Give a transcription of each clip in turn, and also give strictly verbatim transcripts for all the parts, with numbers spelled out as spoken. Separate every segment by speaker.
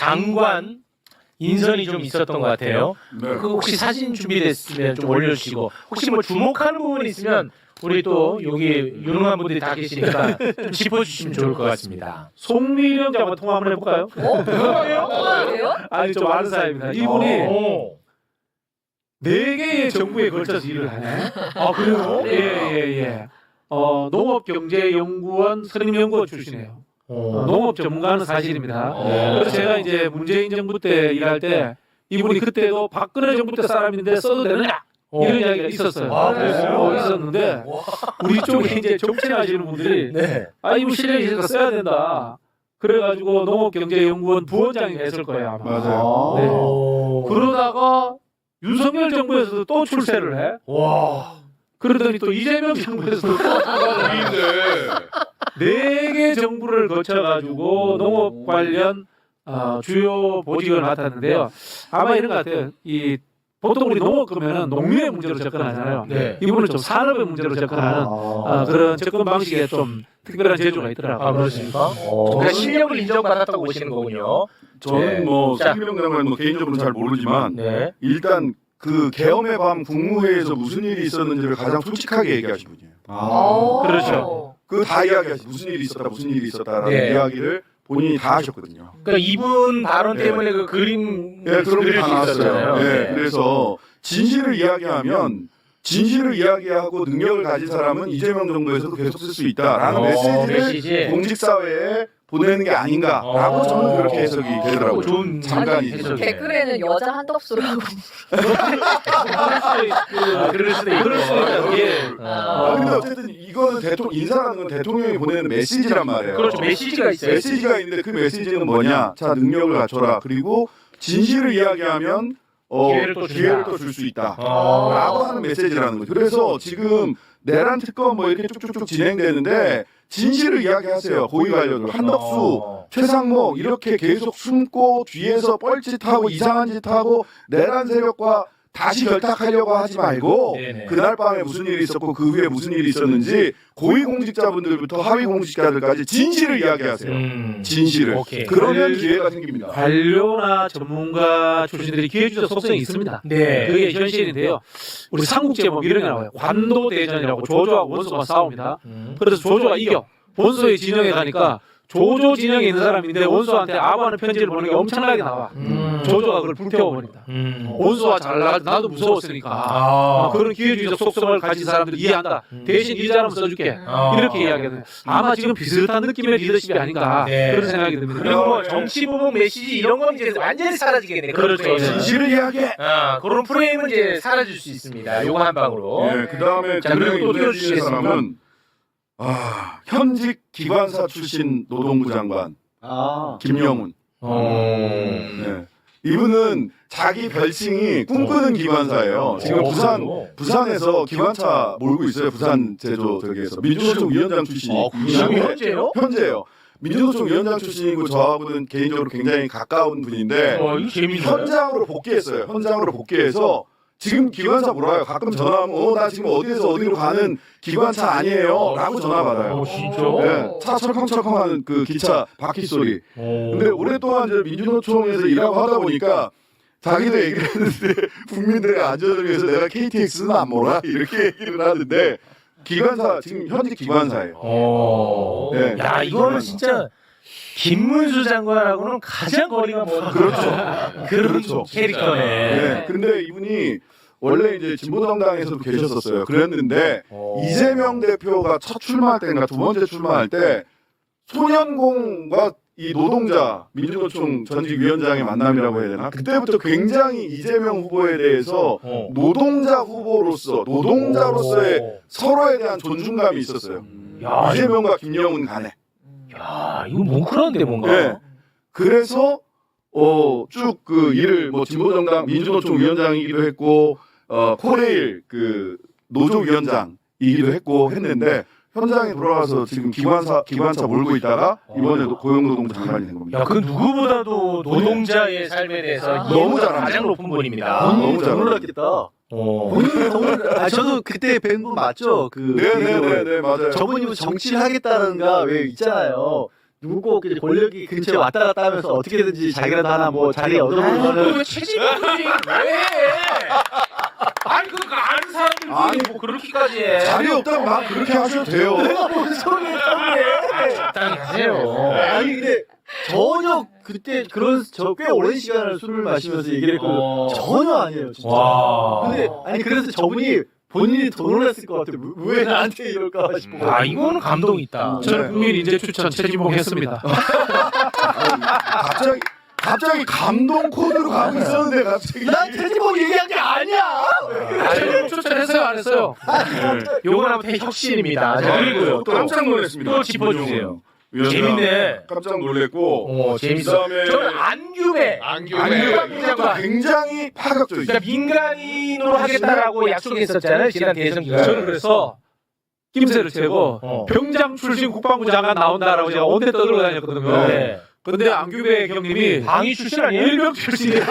Speaker 1: 장관 인선이 좀 있었던 것 같아요.
Speaker 2: 네.
Speaker 1: 그 혹시 사진 준비됐으면 좀 올려주시고 혹시 뭐 주목하는 부분이 있으면 우리 또 여기 유능한 분들이 다 계시니까 좀 짚어주시면 좋을 것 같습니다.
Speaker 3: 송미령 장관 통화 한번 해볼까요?
Speaker 4: 어? 그래요?
Speaker 3: 아니 좀 아는 사람입니다. 이분이
Speaker 1: 오.
Speaker 3: 네 개의 정부에 걸쳐서 일을 하네.
Speaker 1: 아 그래요?
Speaker 3: 예예 예. 어, 농업경제연구원 선임연구원 출신이에요. 어, 농업 전문가는 사실입니다.
Speaker 1: 어.
Speaker 3: 그래서 제가 이제 문재인 정부 때 일할 때 이분이 그때도 박근혜 정부 때 사람인데 써도 되느냐 이런 이야기가 있었어요.
Speaker 1: 아, 그랬어요?
Speaker 3: 어, 있었는데 우리 쪽에 이제 정치하시는 분들이
Speaker 1: 네.
Speaker 3: 아 이분 실력이 있으니까 써야 된다. 그래가지고 농업경제연구원 부원장이 했을 거예요 아마.
Speaker 2: 맞아요.
Speaker 3: 네.
Speaker 1: 오.
Speaker 3: 그러다가 윤석열 정부에서도 또 출세를 해.
Speaker 1: 와.
Speaker 3: 그러더니 또 이재명 정부에서도 또 네 개 정부를 거쳐가지고 농업 관련 어, 주요 보직을 맡았는데요. 아마 이런 것 같아요. 이 보통 우리 농업 그러면은 농민의 문제로 접근하잖아요.
Speaker 1: 네.
Speaker 3: 이분은 좀 산업의 문제로 접근하는 어, 그런 접근 방식에 좀 특별한 재주가 있더라고요.
Speaker 1: 아 그렇습니까? 그러니까 실력을 인정받았다고 보시는 거군요.
Speaker 2: 저는
Speaker 1: 네.
Speaker 2: 뭐
Speaker 1: 자.
Speaker 2: 송미령 장관 뭐 개인적으로는 잘 모르지만
Speaker 1: 네.
Speaker 2: 일단 그 계엄의 밤 국무회의에서 무슨 일이 있었는지를 가장 솔직하게 얘기하신 분이에요.
Speaker 4: 어.
Speaker 3: 그렇죠.
Speaker 2: 그 다 이야기하시 무슨 일이 있었다 무슨 일이 있었다라는
Speaker 1: 네.
Speaker 2: 이야기를 본인이 다 하셨거든요.
Speaker 1: 그러니까 이분 발언
Speaker 2: 네.
Speaker 1: 때문에 그 그림
Speaker 2: 네, 그런 게
Speaker 1: 그릴
Speaker 2: 다
Speaker 1: 수
Speaker 2: 나왔어요.
Speaker 1: 있었잖아요.
Speaker 2: 네, 그래서 진실을 이야기하면 진실을 이야기하고 능력을 가진 사람은 이재명 정부에서도 계속 쓸 수 있다라는
Speaker 1: 어,
Speaker 2: 메시지를
Speaker 1: 메시지.
Speaker 2: 공직사회에 보내는 게 아닌가라고
Speaker 1: 어.
Speaker 2: 저는 그렇게 해석이 되더라고요.
Speaker 1: 좋은
Speaker 2: 잠깐
Speaker 1: 해석이네요.
Speaker 4: 댓글에는 여자 한덕수로 하고.
Speaker 1: 아, 그럴 수도 있고.
Speaker 3: 그럴 수도 있다. 예.
Speaker 2: 아, 근데 어쨌든 이거는 대통령 인사라는 건 대통령이 보내는 메시지란 말이에요.
Speaker 1: 그렇죠. 메시지가 있어요.
Speaker 2: 메시지가 있는데 그 메시지는 뭐냐? 자, 능력을 갖춰라. 그리고 진실을 이야기하면 어,
Speaker 1: 기회를 또 준다.
Speaker 2: 기회를 또 줄 수 있다.
Speaker 1: 어.
Speaker 2: 라고 하는 메시지라는 거죠. 그래서 지금 내란 특검 뭐 이렇게 쭉쭉쭉 진행되는데 진실을 이야기하세요. 고위 관료들. 한덕수,
Speaker 1: 어.
Speaker 2: 최상목 이렇게 계속 숨고 뒤에서 뻘짓하고 이상한 짓하고 내란 세력과 다시 결탁하려고 하지 말고
Speaker 1: 네네.
Speaker 2: 그날 밤에 무슨 일이 있었고 그 후에 무슨 일이 있었는지 고위 공직자분들부터 하위 공직자들까지 진실을 이야기하세요.
Speaker 1: 음.
Speaker 2: 진실을.
Speaker 1: 오케이.
Speaker 2: 그러면 기회가 생깁니다.
Speaker 3: 관료나 전문가 출신들이 기회주자 속성이 있습니다.
Speaker 1: 네.
Speaker 3: 그게 현실인데요. 우리 삼국제법 이런 게 나와요. 관도대전이라고 조조하고 원소가 싸웁니다.
Speaker 1: 음.
Speaker 3: 그래서 조조가 이겨. 원소의 진영에 가니까 조조 진영에 있는 사람인데 원소한테 아부하는 편지를 보내는 게 엄청나게 나와.
Speaker 1: 음.
Speaker 3: 조조가 그걸 불태워버린다.
Speaker 1: 음.
Speaker 3: 원소가 잘 나가도 나도 무서웠으니까.
Speaker 1: 아.
Speaker 3: 아, 그런 기회주의적 속성을 가진 사람들이 이해한다.
Speaker 1: 음.
Speaker 3: 대신 이 사람 써줄게.
Speaker 1: 아.
Speaker 3: 이렇게 이야기하거든요. 아마 지금 비슷한 느낌의 리더십이 아닌가
Speaker 1: 네.
Speaker 3: 그런 생각이 듭니다.
Speaker 1: 그리고 뭐 정치 부분 메시지 이런 건 이제 완전히 사라지겠네. 그런
Speaker 3: 그렇죠.
Speaker 1: 프레임은.
Speaker 2: 진실을 이야기해.
Speaker 1: 아, 그런 프레임은 이제 사라질 수 있습니다. 요거 한 방으로.
Speaker 2: 예, 그 다음에
Speaker 1: 자, 그리고 또
Speaker 2: 분명히
Speaker 1: 띄워주시겠습니까?
Speaker 2: 문제되는 사람은 아, 현직 기관사 출신 노동부 장관
Speaker 5: 아.
Speaker 2: 김영훈.
Speaker 1: 어.
Speaker 2: 네. 이분은 자기 별칭이 꿈꾸는 기관사예요. 지금
Speaker 1: 어,
Speaker 2: 부산
Speaker 1: 그래요?
Speaker 2: 부산에서 기관차 몰고 있어요. 부산 제조 저기에서 민주노총 위원장 출신이
Speaker 1: 어, 지금 현재요?
Speaker 2: 현재요. 민주노총 위원장 출신이고 저하고는 개인적으로 굉장히 가까운 분인데
Speaker 1: 어, 이거 재밌네.
Speaker 2: 현장으로 복귀했어요. 현장으로 복귀해서 지금 기관차 물어요. 가끔 전화하면 어, 나 지금 어디에서 어디로 가는 기관차 아니에요. 라고 전화 받아요.
Speaker 1: 어, 진짜?
Speaker 2: 네, 차 철컹철컹하는 그 기차 바퀴 소리. 근데 오랫동안 이제 민주노총에서 일하고 하다 보니까 자기도 얘기를 했는데 국민들의 안전을 위해서 내가 케이티엑스는 안 몰아 이렇게 얘기를 하는데 기관사 지금 현직 기관사예요.
Speaker 1: 어.
Speaker 2: 네.
Speaker 1: 야, 이거는 진짜 김문수 장관하고는 가장 거리가 먼
Speaker 2: 그렇죠.
Speaker 1: 그런
Speaker 2: 그렇죠.
Speaker 1: 캐릭터네.
Speaker 2: 네. 근데 이분이 원래 이제 진보정당에서도 계셨었어요. 그랬는데 이재명 대표가 첫 출마할 때인가 두 번째 출마할 때 소년공과 이 노동자 민주노총 전직 위원장의 만남이라고 해야 되나? 그때부터 굉장히 이재명 후보에 대해서
Speaker 1: 어.
Speaker 2: 노동자 후보로서 노동자로서의
Speaker 1: 오.
Speaker 2: 서로에 대한 존중감이 있었어요.
Speaker 1: 야, 이거,
Speaker 2: 이재명과 김영훈 간에.
Speaker 1: 야, 이거 뭉클한데 뭔가.
Speaker 2: 네. 그래서 어, 쭉 그 일을 뭐 진보정당 민주노총 위원장이기도 했고 어, 코레일 그 노조 위원장이기도 했고 했는데 현장에 돌아가서 지금 기관사 기관차 몰고 있다가 이번에 고용노동부 장관이 된 겁니다.
Speaker 1: 야, 그 누구보다도 노동자의 삶에 대해서
Speaker 2: 너무
Speaker 1: 이해도가
Speaker 2: 잘합니다.
Speaker 1: 가장 높은 분입니다.
Speaker 2: 너무 잘
Speaker 5: 놀랐겠다.
Speaker 1: 어.
Speaker 5: 본인이 정말 아 저도 그때 뵌 분 맞죠? 그
Speaker 2: 네네네네 맞아요.
Speaker 5: 저분이 뭐 정치를 하겠다는가 왜 있잖아요. 누구 그 권력이 근처에 왔다 갔다 하면서 어떻게든지 자기라도 하나 뭐 자리 얻어보려는
Speaker 1: 왜 채집을 왜? 아니 그거 아는 사람들이
Speaker 2: 아니,
Speaker 1: 뭐 그렇게까지 해?
Speaker 2: 자리 없다고 막 그렇게 하셔도 돼요.
Speaker 5: 내가 뭔 소리야 그게.
Speaker 1: 적당히 하세요.
Speaker 5: 아니 근데 전혀 그때 그런 저 꽤 오랜 시간을 술을 마시면서 얘기를 했거든요.
Speaker 1: 어.
Speaker 5: 전혀 아니에요 진짜.
Speaker 1: 와.
Speaker 5: 근데 아니 그래서 저분이 본인이 더 놀랐을 것 같아요. 왜, 왜 나한테 이럴까 싶어.
Speaker 1: 아 이거는 감동 있다.
Speaker 3: 저는
Speaker 2: 네.
Speaker 3: 국민 인재 추천 최진봉 했습니다.
Speaker 2: 갑자기 갑자기 감동 코드로 가고 있었는데 갑자기.
Speaker 5: 난 최지봉 얘기한 게 아니야.
Speaker 3: 최진봉 추천했어요 안 했어요?
Speaker 1: 요건 아무튼 혁신입니다. 자, 그리고요. 또
Speaker 2: 깜짝 놀랐습니다.
Speaker 1: 또 짚어주세요.
Speaker 2: 위원장,
Speaker 1: 재밌네.
Speaker 2: 깜짝 놀랬고.
Speaker 1: 어 재밌어.
Speaker 2: 그다음에
Speaker 1: 저는 안규배. 안규배 장관.
Speaker 2: 굉장히 파격적이죠.
Speaker 1: 그러니까 민간인으로 하겠다라고 약속했었잖아요. 지난 대선 기간.
Speaker 3: 저는 그래서 낌새를 채고
Speaker 1: 어.
Speaker 3: 병장 출신 국방부 장관 나온다라고 제가 온데 떠들고 다녔거든요.
Speaker 1: 네.
Speaker 3: 근데 안규배 경님이
Speaker 1: 방위 출신 아니에요?
Speaker 3: 일병 출신이야.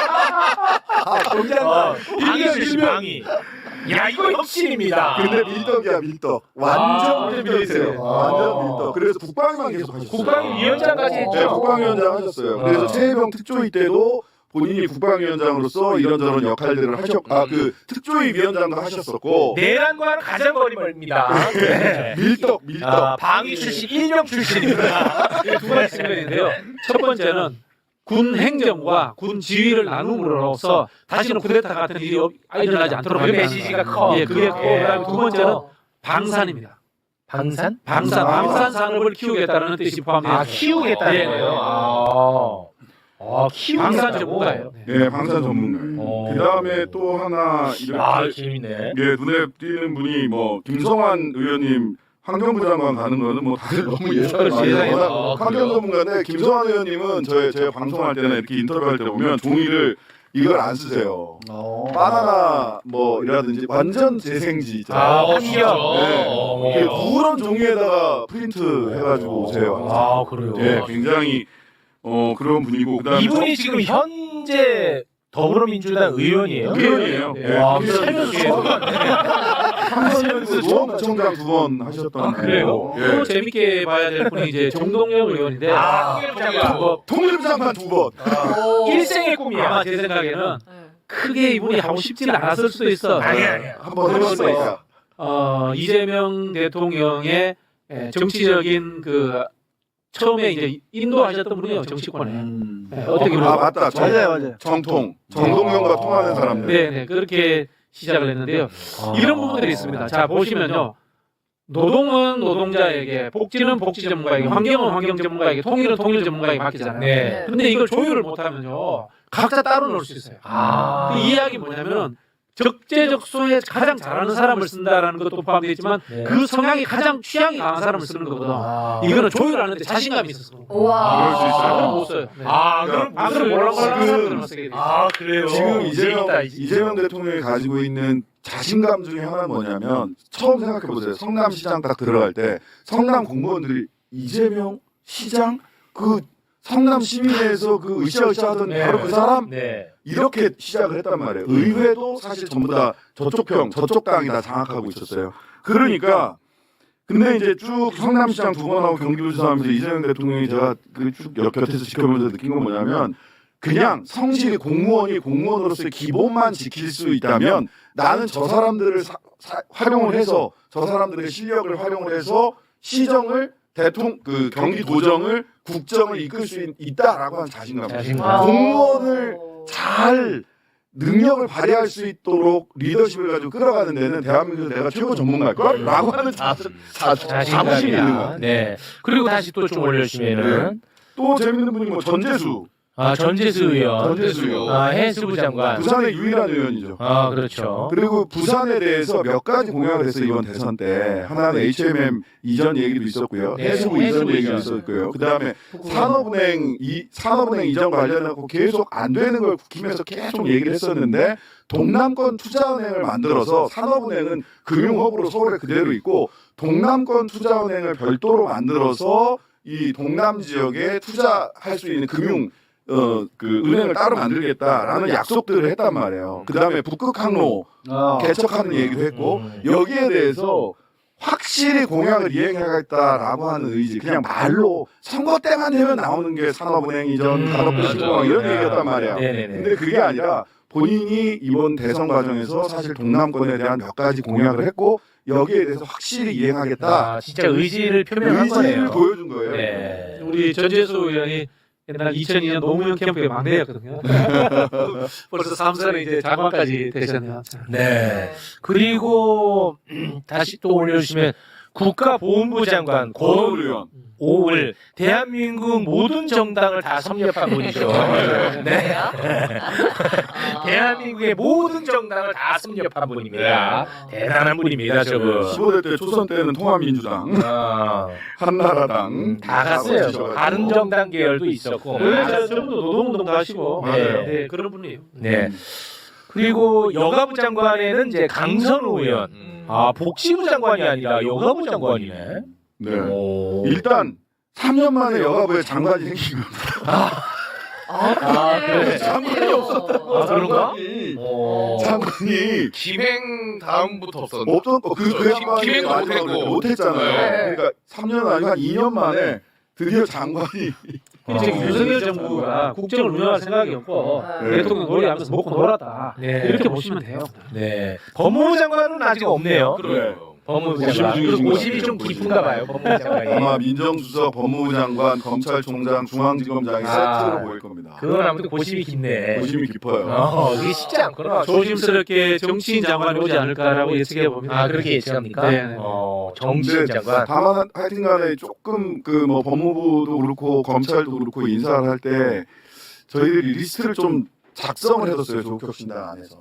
Speaker 5: 아 공장.
Speaker 1: 어, 방위
Speaker 3: 일병,
Speaker 1: 출신
Speaker 3: 일병.
Speaker 1: 방위. 야 이거 혁신입니다.
Speaker 2: 근데 밀떡이야 밀떡. 완전
Speaker 1: 아,
Speaker 2: 밀떡이세요.
Speaker 1: 밀떡이세요.
Speaker 2: 완전
Speaker 1: 아.
Speaker 2: 밀떡. 그래서 국방위만 계속 하셨어요.
Speaker 1: 국방위원장까지 했죠.
Speaker 2: 네, 국방위원장 하셨어요. 그래서
Speaker 1: 아.
Speaker 2: 최혜병 특조위 때도 본인이 국방위원장으로서 이런저런 역할들을 하셨, 아, 그 특조위 위원장도 하셨었고.
Speaker 1: 내란과는 가장 거리 멀입니다. 네.
Speaker 2: 밀떡, 밀떡.
Speaker 1: 아, 방위 출신, 일명 출신입니다.
Speaker 3: 두 가지 측면인데요. 첫 번째는 군 행정과 군 지휘를 나눔으로써 다시는 쿠데타 같은 일이 없- 일어나지 않도록
Speaker 1: 그
Speaker 3: 하겠다.
Speaker 1: 메시지가 커.
Speaker 3: 예, 그게
Speaker 1: 예.
Speaker 3: 그다음에 두 번째는 방산입니다.
Speaker 1: 방산?
Speaker 3: 방산,
Speaker 2: 아.
Speaker 3: 방산 산업을 키우겠다는 뜻이 포함되어
Speaker 1: 아,
Speaker 3: 있습니다.
Speaker 1: 키우겠다는
Speaker 3: 예,
Speaker 1: 거예요?
Speaker 3: 예.
Speaker 1: 아, 아 키우겠다.
Speaker 3: 방산 전문가예요. 네.
Speaker 2: 예, 방산 전문가예요.
Speaker 1: 어.
Speaker 2: 그 다음에 또 하나 이렇게
Speaker 1: 아, 재밌네.
Speaker 2: 예, 눈에 띄는 분이 뭐 김성환 의원님 환경부 장관 가는 거는 뭐 다들 너무 예상을 많이
Speaker 3: 예상이
Speaker 2: 해요.
Speaker 1: 아,
Speaker 2: 환경
Speaker 1: 그래요?
Speaker 2: 전문가인데 김성환 의원님은 저희 제가 방송할 때나 이렇게 인터뷰할 때 보면 종이를 이걸 안 쓰세요.
Speaker 5: 어.
Speaker 2: 바나나 뭐이라든지 완전 재생지 있잖아요.
Speaker 1: 아, 환경.
Speaker 2: 네.
Speaker 1: 어.
Speaker 2: 이게 누런 종이에다가 프린트 해가지고 오세요.
Speaker 1: 아, 그래요?
Speaker 2: 예, 굉장히 어 그런 분이고 그다음에
Speaker 1: 이분이 지금 현재 더불어민주당 의원이에요?
Speaker 2: 의원이에요.
Speaker 3: 예.
Speaker 1: 와,
Speaker 2: 예.
Speaker 1: 살면서 처음 봤네.
Speaker 2: 삼선에서 노원구청장 두 번 하셨던
Speaker 3: 아, 그래요?
Speaker 2: 분이고,
Speaker 3: 또
Speaker 2: 예.
Speaker 3: 재밌게 봐야 될 분이 이제 정동영 의원인데
Speaker 1: 아,
Speaker 3: 뭐
Speaker 2: 통일부장관 두 번.
Speaker 4: 오.
Speaker 1: 일생의 꿈이야.
Speaker 3: 아마 제 생각에는
Speaker 4: 네.
Speaker 3: 크게 이분이 하고 싶지는 않았을 수도 있어.
Speaker 1: 아니야, 아니야.
Speaker 2: 한번 해봤으니까.
Speaker 3: 어, 이재명 대통령의 예, 정치적인 그 처음에 이제 인도하셨던 분이에요 정치권에.
Speaker 5: 음.
Speaker 3: 예, 어떻게
Speaker 2: 아
Speaker 3: 보면
Speaker 2: 맞다. 정,
Speaker 5: 맞아요 맞아요.
Speaker 2: 정통. 정동영과 통하는 사람들.
Speaker 3: 네, 네 그렇게 시작을 했는데요. 이런 부분들이 있습니다. 자 보시면요. 노동은 노동자에게, 복지는 복지 전문가에게, 환경은 환경 전문가에게, 통일은 통일 전문가에게 맡기잖아요.
Speaker 1: 네.
Speaker 3: 근데 이걸 조율을 못하면요, 각자 따로 놀 수 있어요.
Speaker 1: 아.
Speaker 3: 그 이야기 뭐냐면은 적재적소에 가장 잘하는 사람을 쓴다라는 것도 포함되어 있지만
Speaker 1: 네.
Speaker 3: 그 성향이 가장 취향이 강한 사람을 쓰는 거거든.
Speaker 1: 아.
Speaker 3: 이거는 조율하는데 자신감이 있어서.
Speaker 4: 우와.
Speaker 2: 그럴 수 있어요.
Speaker 3: 아, 그럼 못 써요. 네.
Speaker 1: 아, 그럼
Speaker 3: 아, 그럼 몰랑몰랑한
Speaker 2: 지금-
Speaker 3: 사람들만 쓰게 돼.
Speaker 1: 아, 그래요?
Speaker 2: 지금 이재명,
Speaker 1: 재밌다, 이제.
Speaker 2: 이재명 대통령이 가지고 있는 자신감 중에 하나는 뭐냐면 처음 생각해 보세요. 성남시장 딱 들어갈 때 성남 공무원들이 이재명 시장 그 성남 시민회에서 그 으쌰으쌰 하던
Speaker 1: 네.
Speaker 2: 바로 그 사람
Speaker 1: 네.
Speaker 2: 이렇게 시작을 했단 말이에요. 의회도 사실 전부 다 저쪽 평, 저쪽 당이 다 장악하고 있었어요. 그러니까 근데 이제 쭉 성남시장 두 번 하고 경기도지사 하면서 이재명 대통령이 제가 그쭉 곁에서 지켜보면서 느낀 건 뭐냐면 그냥 성실히 공무원이 공무원으로서의 기본만 지킬 수 있다면 나는 저 사람들을 사, 사, 활용을 해서 저 사람들의 실력을 활용을 해서 시정을 대통령 그 경기도정을 국정을 이끌 수 있, 있다라고 하는 자신감.
Speaker 1: 자신감.
Speaker 2: 공무원을 잘 능력을 발휘할 수 있도록 리더십을 가지고 끌어가는 데는 대한민국에서 내가 최고 전문가일 걸라고 하는 자, 자, 자부심이 있는
Speaker 1: 자신감이다.
Speaker 2: 거야.
Speaker 1: 네. 그리고 다시 또 좀 올려주시면은
Speaker 2: 또 재밌는 분이 뭐 전재수,
Speaker 1: 아 전재수 의원,
Speaker 2: 전재수 의원.
Speaker 1: 아 해수부 장관.
Speaker 2: 부산의 유일한 의원이죠.
Speaker 1: 아 그렇죠.
Speaker 2: 그리고 부산에 대해서 몇 가지 공약을 했어요 이번 대선 때. 하나는 에이치엠엠 이전 얘기도 있었고요.
Speaker 1: 네,
Speaker 2: 해수부
Speaker 1: 해수부
Speaker 2: 이전 얘기도
Speaker 1: 이전.
Speaker 2: 있었고요. 그 다음에 산업은행 이 산업은행 이전 관련하고 계속 안 되는 걸 국힘에서 계속 얘기를 했었는데 동남권 투자은행을 만들어서 산업은행은 금융허브로 서울에 그대로 있고 동남권 투자은행을 별도로 만들어서 이 동남 지역에 투자할 수 있는 금융 어 그 은행을 따로 만들겠다라는 약속들을 했단 말이에요. 그 다음에 북극 항로
Speaker 5: 아.
Speaker 2: 개척하는 얘기도 했고
Speaker 1: 음.
Speaker 2: 여기에 대해서 확실히 공약을 이행하겠다라고 하는 의지, 그냥 말로 선거 때만 되면 나오는 게 산업은행 이전,
Speaker 1: 음,
Speaker 2: 간호비
Speaker 1: 맞아.
Speaker 2: 신공항 이런
Speaker 1: 아,
Speaker 2: 얘기였단 말이야.
Speaker 1: 네네네.
Speaker 2: 근데 그게 아니라 본인이 이번 대선 과정에서 사실 동남권에 대한 몇 가지 공약을 했고 여기에 대해서 확실히 이행하겠다.
Speaker 1: 아, 진짜 의지를 표명한
Speaker 2: 의지를
Speaker 1: 거네요.
Speaker 2: 보여준 거예요.
Speaker 1: 네.
Speaker 3: 우리 전재수 의원이 옛날 이천이 년 노무현 캠프의 막내였거든요. 벌써 삼 선에 이제 장관까지 되셨네요.
Speaker 1: 네. 그리고 음, 다시 또 올려주시면 국가보훈부 장관
Speaker 2: 권오을
Speaker 1: 권오을
Speaker 2: 의원.
Speaker 1: 오을 대한민국 모든 정당을 다 섭렵한 분이죠. 네.
Speaker 4: 아.
Speaker 1: 대한민국의 모든 정당을 다 섭렵한 분입니다. 대단한 분입니다, 저거.
Speaker 2: 십오 대 때 초선 때는 통합민주당,
Speaker 1: 아,
Speaker 2: 한나라당
Speaker 1: 음, 다 갔어요.
Speaker 2: 거치셔가지고.
Speaker 1: 다른 정당 계열도 있었고.
Speaker 3: 원래 저- 저분도 노동운동도 하시고
Speaker 1: 맞아요.
Speaker 3: 네, 그런 분이에요.
Speaker 1: 네. 그리고 여가부 장관에는 이제 강선우 의원.
Speaker 4: 음.
Speaker 1: 아, 복지부 장관이 아니라 여가부 장관이네.
Speaker 2: 네.
Speaker 1: 오.
Speaker 2: 일단 삼 년 만에 여가부에 장관이 생긴 겁니다.
Speaker 4: 아,
Speaker 1: 그래.
Speaker 2: 장관이 없었다.
Speaker 1: 아, 그런가?
Speaker 2: 장관이,
Speaker 1: 어.
Speaker 2: 장관이
Speaker 6: 김행 다음부터 없었는데.
Speaker 2: 없었고 그, 그 양반이
Speaker 6: 김행도
Speaker 2: 마지막으로
Speaker 6: 못했고.
Speaker 2: 못했잖아요.
Speaker 4: 네.
Speaker 2: 그러니까 삼 년 아니고 한 이 년 만에 드디어 장관이
Speaker 3: 지금
Speaker 1: 어.
Speaker 3: 윤석열 정부가 국정을 운영할 생각이 없고
Speaker 2: 네.
Speaker 3: 대통령 놀이하면서 먹고 놀았다.
Speaker 1: 네.
Speaker 3: 이렇게 보시면 돼요.
Speaker 1: 네. 법무부 장관은 아직 없네요.
Speaker 6: 그래요.
Speaker 1: 법무부
Speaker 2: 고심
Speaker 1: 장관.
Speaker 2: 중이신
Speaker 1: 그리고
Speaker 2: 것
Speaker 1: 고심이 좀
Speaker 2: 같아요.
Speaker 1: 깊은가 봐요. 법무부 장관이.
Speaker 2: 아마 민정수석, 법무부 장관, 검찰총장, 중앙지검장이
Speaker 1: 아.
Speaker 2: 세트로 보일 겁니다.
Speaker 1: 그건 아무튼 고심이 깊네.
Speaker 2: 고심이 깊어요.
Speaker 1: 어, 이게 쉽지 않구나.
Speaker 3: 조심스럽게 정치인 장관이 오지 않을까라고 예측해 봅니다.
Speaker 1: 아, 그렇게 예측합니까?
Speaker 3: 네, 네.
Speaker 1: 어, 정치인
Speaker 2: 근데
Speaker 1: 장관.
Speaker 2: 다만 하여튼간에 조금 그 뭐 법무부도 그렇고 검찰도 그렇고 인사를 할 때 저희들이 리스트를 좀 작성을 해뒀어요. 조국혁신당 안에서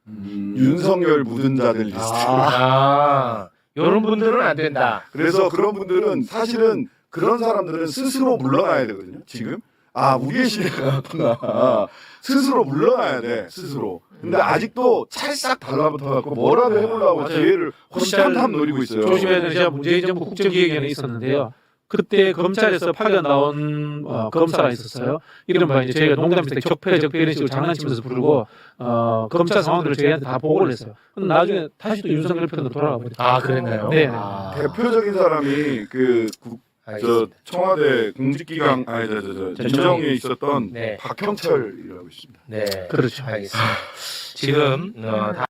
Speaker 2: 윤석열 묻은 자들 리스트.
Speaker 1: 아, 이런 분들은 안 된다.
Speaker 2: 그래서 그런 분들은 사실은 그런 사람들은 스스로 물러나야 되거든요. 지금 아 우리의 시대가 왔구나. 스스로 물러나야 돼. 스스로. 근데 아직도 찰싹 달라붙어갖고 뭐라도 해보려고
Speaker 3: 맞아요.
Speaker 2: 기회를 호시탐탐 노리고 있어요.
Speaker 3: 조심해야 되는 제가 문재인 정부 국정기획위원회에 있었는데요. 그때 검찰에서 파견 나온 어, 검사가 있었어요. 이른바 이제 저희가 농담일 때 적폐 적폐 이런 식으로 장난치면서 부르고 어, 검찰 상황들을 저희한테 다 보고를 했어요. 근데 나중에 다시 또 윤석열 편으로 돌아가 버렸어요.
Speaker 1: 아, 그랬나요?
Speaker 3: 네.
Speaker 1: 아,
Speaker 2: 대표적인 사람이 그 국, 저
Speaker 1: 알겠습니다.
Speaker 2: 청와대 공직기강 아니 저저 저,
Speaker 1: 저
Speaker 2: 민정에 있었던
Speaker 1: 네.
Speaker 2: 박형철이라고 있습니다.
Speaker 1: 네.
Speaker 3: 그렇죠.
Speaker 1: 알겠습니다. 지금 어,